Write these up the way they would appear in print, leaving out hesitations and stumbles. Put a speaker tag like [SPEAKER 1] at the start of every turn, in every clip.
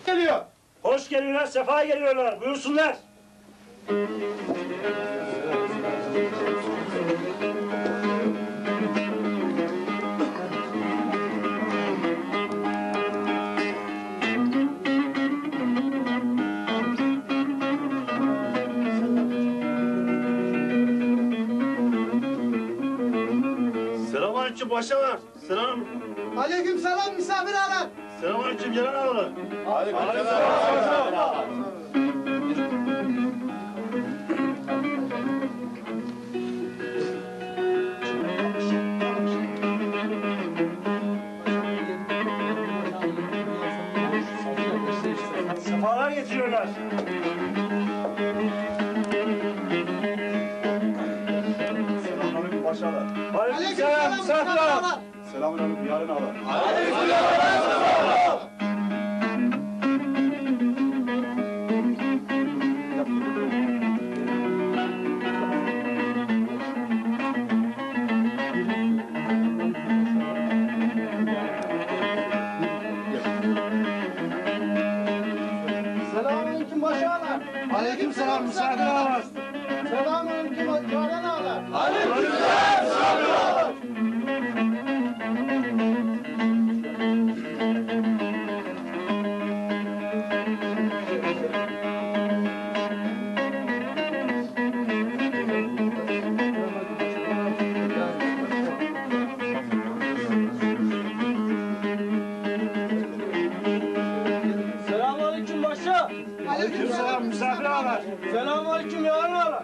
[SPEAKER 1] geliyor.
[SPEAKER 2] Hoş geliyorlar, sefa geliyorlar. Buyursunlar.
[SPEAKER 1] Selamünaleyküm paşalar.
[SPEAKER 3] Aleykümselam misafir ağalar.
[SPEAKER 1] Selamünaleyküm gelen ağalar.
[SPEAKER 2] Sefalar getiriyorlar.
[SPEAKER 1] Selamünaleyküm paşalar.
[SPEAKER 2] Aleykümselam misafir ağalar.
[SPEAKER 1] Selamünaleyküm yarın ağalar.
[SPEAKER 3] Selamünaleyküm başı ağalar.
[SPEAKER 2] Aleykümselam misafir ağalar.
[SPEAKER 3] Selamünaleyküm yaren ağalar.
[SPEAKER 4] Selamünaleyküm başa.
[SPEAKER 2] Aleykümselam misafir ağalar.
[SPEAKER 4] Selamünaleyküm yaren ağalar.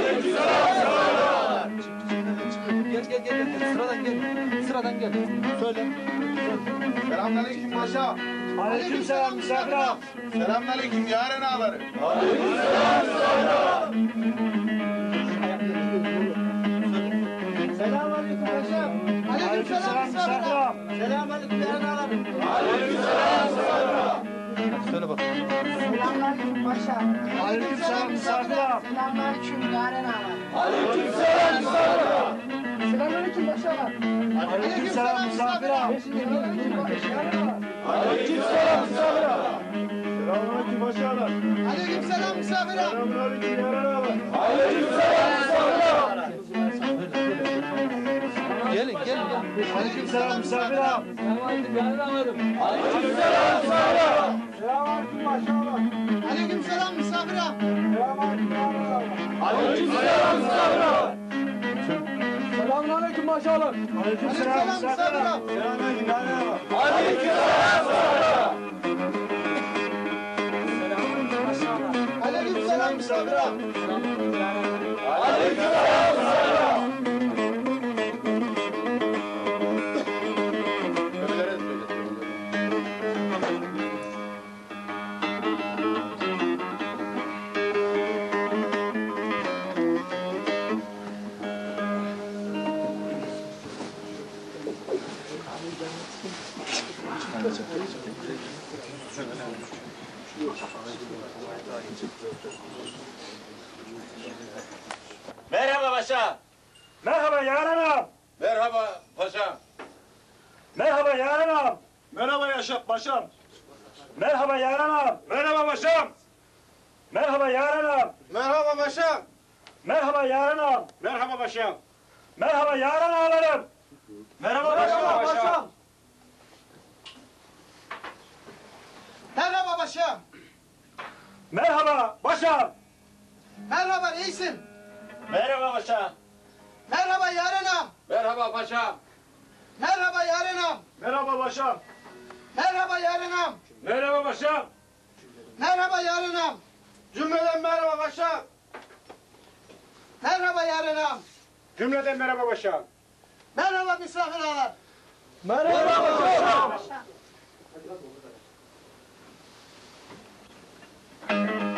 [SPEAKER 3] Gel. Sıradan gel. Söyle.
[SPEAKER 1] Selamünaleyküm paşa.
[SPEAKER 2] Aleykümselam misafir ağalar.
[SPEAKER 1] Selamünaleyküm yarın ağaları.
[SPEAKER 3] Selamünaleyküm paşa.
[SPEAKER 2] Aleykümselam misafir ağalar.
[SPEAKER 3] Selamünaleyküm yaren ağalar. Söyle bak.
[SPEAKER 5] Selamünaleyküm paşa.
[SPEAKER 2] Aleykümselam misafir ağalar.
[SPEAKER 5] Selamünaleyküm yaren ağalar.
[SPEAKER 3] Selamünaleyküm paşa.
[SPEAKER 2] Aleykümselam misafir ağalar.
[SPEAKER 3] Selamünaleyküm yaren ağalar.
[SPEAKER 2] Aleykümselam misafir ağalar.
[SPEAKER 1] Selamünaleyküm paşalar.
[SPEAKER 3] Aleykümselam misafir ağalar.
[SPEAKER 1] Selamünaleyküm yarın ağalar.
[SPEAKER 3] Gelin.
[SPEAKER 2] Aleykümselam misafir ağalar.
[SPEAKER 4] Selamünaleyküm yaren ağalarım.
[SPEAKER 3] Aleykümselam misafir ağalar.
[SPEAKER 4] Selamünaleyküm maşallah.
[SPEAKER 2] Aleykümselam misafir ağalar.
[SPEAKER 1] Selamünaleyküm yarın ağalar.
[SPEAKER 3] Aleykümselam misafir ağalar.
[SPEAKER 6] Merhaba paşa.
[SPEAKER 2] Merhaba yaren ağam.
[SPEAKER 6] Merhaba paşa.
[SPEAKER 2] Merhaba yaren ağam.
[SPEAKER 1] Merhaba Yaşar paşam.
[SPEAKER 2] Merhaba yaren ağam.
[SPEAKER 1] Merhaba paşam.
[SPEAKER 2] Merhaba yaren ağam.
[SPEAKER 1] Merhaba paşam.
[SPEAKER 2] Merhaba yaren ağam.
[SPEAKER 1] Merhaba paşam.
[SPEAKER 2] Merhaba yaren ağalarım.
[SPEAKER 1] Merhaba
[SPEAKER 3] Merhaba
[SPEAKER 1] paşam.
[SPEAKER 3] paşam. Merhaba paşam.
[SPEAKER 2] Merhaba başağım.
[SPEAKER 3] Merhaba reisim.
[SPEAKER 6] Merhaba paşa.
[SPEAKER 3] Merhaba yaren ağam.
[SPEAKER 6] Merhaba paşa.
[SPEAKER 3] Merhaba yaren ağam.
[SPEAKER 1] Merhaba paşam.
[SPEAKER 3] Merhaba yaren ağam.
[SPEAKER 1] Merhaba paşam.
[SPEAKER 3] Merhaba yaren ağam.
[SPEAKER 1] Cümleden merhaba paşam.
[SPEAKER 3] Merhaba yaren ağam.
[SPEAKER 1] Cümleden merhaba paşam.
[SPEAKER 3] Merhaba misafir ağalar.
[SPEAKER 4] Merhaba paşa.